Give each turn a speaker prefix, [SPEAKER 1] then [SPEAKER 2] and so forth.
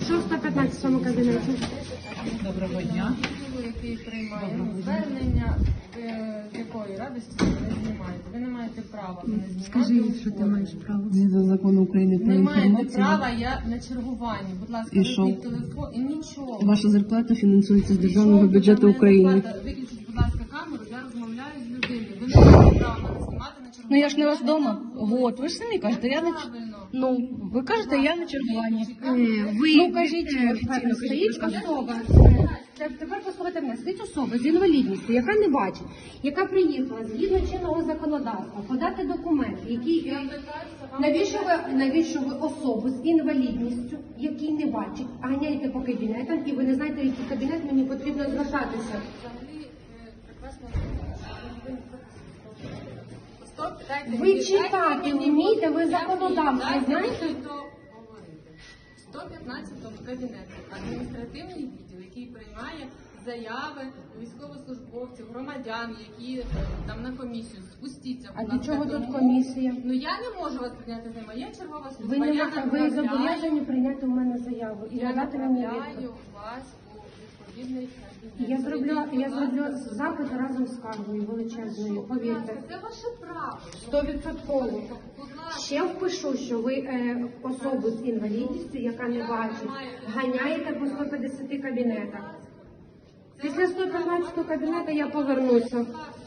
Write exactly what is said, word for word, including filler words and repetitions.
[SPEAKER 1] Що в сто п'ятнадцятому кабінеті?
[SPEAKER 2] Доброго дня.
[SPEAKER 3] Який приймає звернення, з якої радості ви не знімаєте. Ви не маєте права мене знімати.
[SPEAKER 1] Скажи, що ти маєш право.
[SPEAKER 2] Згідно закону України про
[SPEAKER 3] Не маєте
[SPEAKER 2] інформацію.
[SPEAKER 3] права, я на чергуванні. Будь ласка,
[SPEAKER 2] І що?
[SPEAKER 3] виключіть телефон і нічого.
[SPEAKER 2] Ваша зарплата фінансується з державного
[SPEAKER 3] Нічого,
[SPEAKER 2] бюджету
[SPEAKER 3] там не
[SPEAKER 2] України.
[SPEAKER 3] зарплата. Виключіть, будь ласка, камеру, я розмовляю з людиною. Ви не маєте права мене знімати на чергуванні.
[SPEAKER 4] Ну я ж не вас вдома. Вот, ви ж самі кажете, я на ч-
[SPEAKER 3] Правильно.
[SPEAKER 4] ну ви кажете, я на чергуванні.
[SPEAKER 1] Ви,
[SPEAKER 4] Ну кажіть
[SPEAKER 1] е,
[SPEAKER 4] офіційно,
[SPEAKER 1] стоїть
[SPEAKER 4] кажіть.
[SPEAKER 1] особа. Це- Тепер послухайте мене. Стоїть особа з інвалідністю, яка не бачить, яка приїхала згідно чинного законодавства подати документи, які е, навіщо ви навіщо ви особу з інвалідністю, який не бачить, ганяєте по кабінетам, і ви не знаєте, в який кабінет мені потрібно звертатися.
[SPEAKER 3] Стоп, дайте
[SPEAKER 1] Ви
[SPEAKER 3] мені-
[SPEAKER 1] читати
[SPEAKER 3] дайте мені-
[SPEAKER 1] вмієте, ви
[SPEAKER 3] дайте
[SPEAKER 1] законодавство
[SPEAKER 3] мені
[SPEAKER 1] знаєте?
[SPEAKER 3] договорити. В сто п'ятнадцятому кабінеті адміністративний відділ, який приймає заяви військовослужбовців, громадян, які е, там на комісію. Спустіться,
[SPEAKER 1] А
[SPEAKER 3] будь
[SPEAKER 1] для
[SPEAKER 3] ласка,
[SPEAKER 1] чого тут
[SPEAKER 3] тому-
[SPEAKER 1] комісія?
[SPEAKER 3] Ну я не можу вас прийняти з ними, я чергова служба.
[SPEAKER 1] Ви не
[SPEAKER 3] я
[SPEAKER 1] можете, ви
[SPEAKER 3] направляю-
[SPEAKER 1] зобов'язані прийняти у мене заяву і
[SPEAKER 3] Я
[SPEAKER 1] надати мені
[SPEAKER 3] направляю
[SPEAKER 1] відповідь.
[SPEAKER 3] вас у відповідний кабінет.
[SPEAKER 1] Я зроблю,
[SPEAKER 3] Зайдіть,
[SPEAKER 1] я
[SPEAKER 3] будь
[SPEAKER 1] зроблю
[SPEAKER 3] ласка,
[SPEAKER 1] запит разом з скаргою величезною, повірте.
[SPEAKER 3] Це ваше право.
[SPEAKER 1] Стовідсотково.
[SPEAKER 3] Будь ласка.
[SPEAKER 1] Ще впишу, що ви е, особу з інвалідністю, яка не бачить, ганяєте по сто п'ятдесят кабінетах. Після сто п'ятнадцятого кабінету я повернуся.